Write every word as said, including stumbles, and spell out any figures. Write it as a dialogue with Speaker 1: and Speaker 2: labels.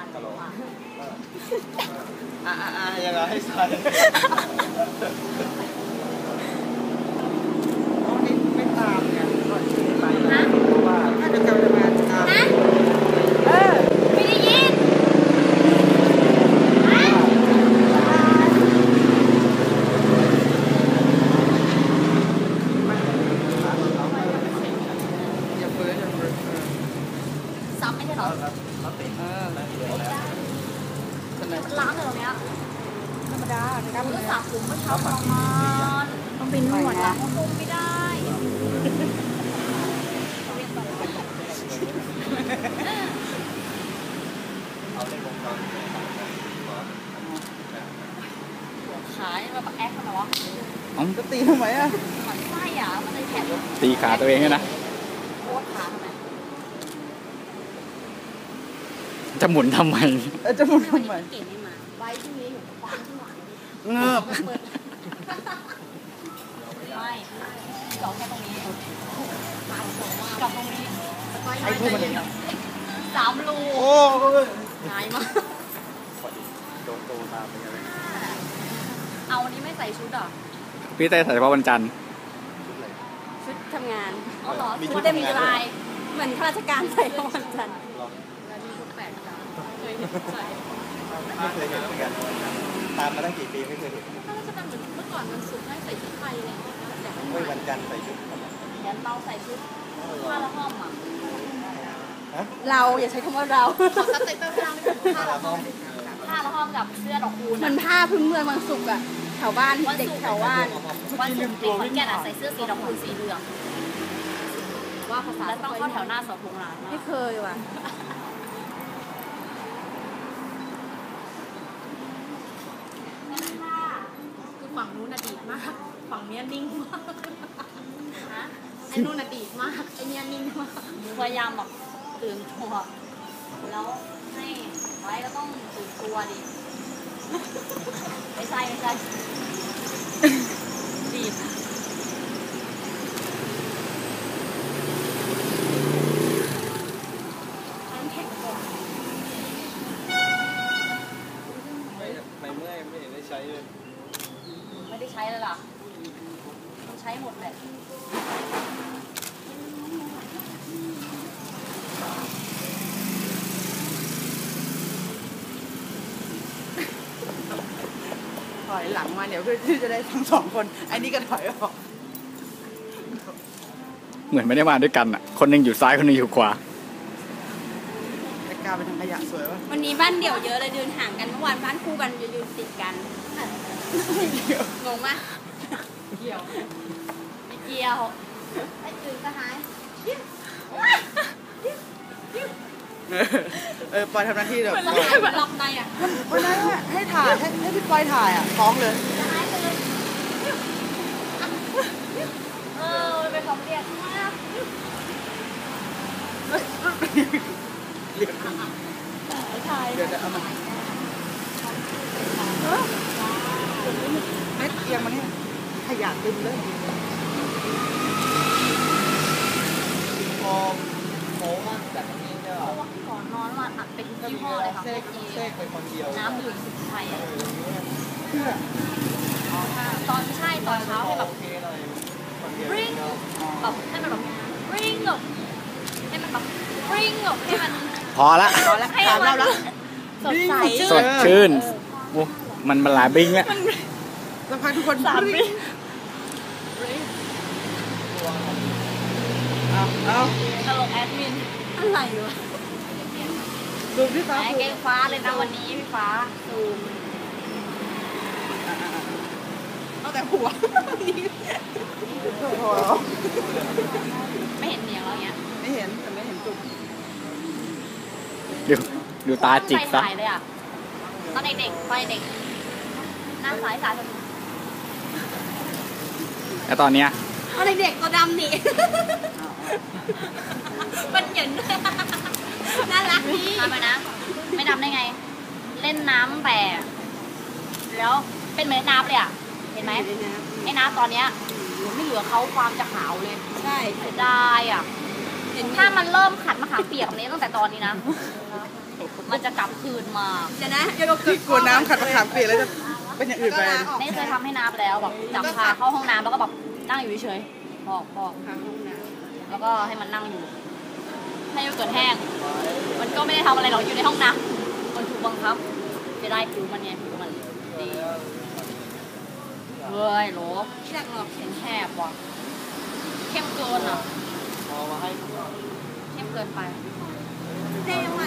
Speaker 1: อ่าอ่ายังไงให้ใส่ไม่ตามไงก็ไปนะเพราะว่าถ้าจะจะมาตามเออ
Speaker 2: ไม่ได้ยินซ้ำไม่ใช่หรอ
Speaker 1: เออ
Speaker 2: ล้างเลยตรงเนี้ย
Speaker 3: ธรรมดา
Speaker 2: การมือสระผมเมื่อเช้าทรมาน
Speaker 3: ต้องเป็นนวด
Speaker 2: ล้างผมไม่ได้ขายแบบแอคทำไมวะ
Speaker 1: อ๋อจะตีทำไมอ่ะ
Speaker 2: มันไส้อ่ะมันเลยแข็ง
Speaker 1: ตีขาตัวเองนะ
Speaker 2: โคตรขาทำไม
Speaker 1: จะหมุนทำไมจะหมุนทำไม
Speaker 2: เก่งไม่มาไว้ที่นี้อยู่ฟังที่หวาน
Speaker 1: เงือบ
Speaker 2: ไม่จอดแค่ตรงนี้จอดตรงนี้
Speaker 1: ไอ้พวกมัน
Speaker 2: สามรู
Speaker 1: โอ้
Speaker 2: ง่ายมาก
Speaker 1: โดนโตตามไปเลย
Speaker 2: เอาวันนี้ไม่ใส่ชุดอ่ะ
Speaker 1: พี่เต้ใส่เฉพาะวันจันทร์
Speaker 3: ชุดทำงาน
Speaker 2: อ๋อเหรอชุดเต็มลาย
Speaker 3: เหมือนข้าราชการใส่วันจันทร์
Speaker 2: แล้วนี่ชุดแปลกจังเคยเห็นใส่
Speaker 1: ไม่เคยเห็นเหมือนกันตามมาตั้งกี่ปีไม่เคยเห็น
Speaker 2: ข้าราชการเหมือนเมื่อก่อนมันสุดให้ใส่ชุดไทยอะไรอย่างเงี้ยแต่
Speaker 1: ไม่วันจันทร์ใส่ชุด
Speaker 2: ยันเบาใส่ชุดผ้าละห้อมอ่ะ
Speaker 3: เราอย่าใช้คำว่าเรา
Speaker 2: ขอซับไตเติ้ลผ้าผ้าละห้อมผ้าละห้อมกับเสื้อดอกคูณ
Speaker 3: มันผ้าพื้นเมืองบางสุกอะแถวบ้านเด็กแถวบ้าน
Speaker 2: วันศุกร์เด็กขอนแก่นใส่เสื้อสีดอกคูณสีเหลืองว่าภาษาแล้วต้องเข้าแถวหน้าเสาธงร้าน
Speaker 3: ไม่เคยว่ะ
Speaker 2: คือฝั่งนู้นอดีตมากฝั่งนี้นิ่งมากไอ้นู้นอดีตมากไอ้นี้นิ่งมากพยายามแบบตื่นตัวแล้วให้ไว้ก็ต้องตื่นตัวดิไม่ใช่ไม่ใช่ดีดน้ำแข็งก่อน
Speaker 1: ไม่ไม่เมื่อยไม่เห็นได้ใช้เลย
Speaker 2: ไม่ได้ใช้เลยล่ะใช้หมดแหละ
Speaker 3: ถอยหลังมาเดี๋ยวเพื่อที่จะได้ทั้งสองคนไอ้นี่ก็ถอยออก
Speaker 1: เหมือนไม่ได้มาด้วยกันอ่ะคนหนึ่งอยู่ซ้ายคนหนึ่งอยู่ขวา
Speaker 3: แต่กล้าไปทางขยะสวยวะวันนี้บ้านเดี่ยวเยอะเลยเดินห่างกันเมื่อวานบ้านคู่กันยืนติดกันงงมาก
Speaker 2: เกี่ยวไม่เกี่ยวไอ้จืดก็หาย
Speaker 3: เออปอยทำหน้าที่เดี๋ยว
Speaker 2: มันมันล็อกในอ่ะ
Speaker 3: วันนั้นให้ถ่ายให้ให้พี่ปอยถ่ายอ่ะฟ้องเลย
Speaker 2: เออเป็นของเรียกมาก
Speaker 3: เรียกถ่ายเดี๋ยวจะเอามาเม็ดเอียงมาเนี่ยขยะเต็มเลย
Speaker 1: พอโม้มากจากนี้เนี่ย
Speaker 2: ก่อนนอนมาอัดเป็นยี่ห้อเลยค่ะ
Speaker 1: เซ็กเซ็กไปคนเดียว
Speaker 2: น้ำดื่มสุดไทยอ่ะตอนใช่ตอนเช้าให้แบบริ้งแบบให้มันแบบริ้งแบบให้มันแบบริ้งแบบให้มัน
Speaker 1: พอละ
Speaker 3: พอละให้มัน
Speaker 2: สดใส
Speaker 1: สดชื่นมันมันหลายบิ้งแล้ว
Speaker 3: สักพักทุกคน
Speaker 2: สามบิ้ง
Speaker 3: เอาเอา
Speaker 2: ตลกแอดมิน
Speaker 3: อะไรวะดูพี่ฟ้า
Speaker 2: แกงฟ้าเลยนะวันนี้พี่ฟ้าซูม
Speaker 3: เอาแต่หัว
Speaker 2: ไม่เห็นเหนียงอะไรเงี้ย
Speaker 3: ไม่เห็นแต่ไม่เห็นจุก
Speaker 1: ดูดูตาจิกซะ
Speaker 2: เลยอ่ะตอนเด็กๆไปเด็กหน้าสายสาย
Speaker 1: แล้วตอนเนี้ย
Speaker 2: ตอนเด็กๆตัวดำนี่มันเหยินน่ารักดีทำไปนะไม่ดำได้ไงเล่นน้ำแบบแล้วเป็นเหมือนน้ำเลยอ่ะเห็นไหมไอ้น้ำตอนเนี้ยไม่เหลือเขาความจะขาวเลย
Speaker 3: ใช่
Speaker 2: เสียดายอ่ะถ้ามันเริ่มขัดมะขามเปียกนี้ตั้งแต่ตอนนี้นะมันจะจะกลับคืนมา
Speaker 3: เดี๋ยวนะเดี๋ยวเรา
Speaker 1: ที่กลัวน้ำขัดมะขามเปียกแล้วจะเป็นอย่างอื่นไป
Speaker 2: นี่เคยทำให้น้ำแล้วแบบจับพาเข้าห้องน้ำแล้วก็แบบนั่งอยู่เฉยๆบอกบอก
Speaker 3: ทางห้องน้
Speaker 2: แล้วก็ให้มันนั่งอยู่ ให้โยเกิร์ตแห้ง มันก็ไม่ได้ทำอะไรหรอกอยู่ในห้องน้ำมันถูกบังคับจะได้ผิวมันไงผิวมันดีเฮ้ยโหล
Speaker 3: ำอยากหรอก
Speaker 2: เห็นแคบว่ะเข้มเกินอ่ะ
Speaker 1: พอมาให้
Speaker 2: เข้มเกินไป
Speaker 3: ได้ยังไง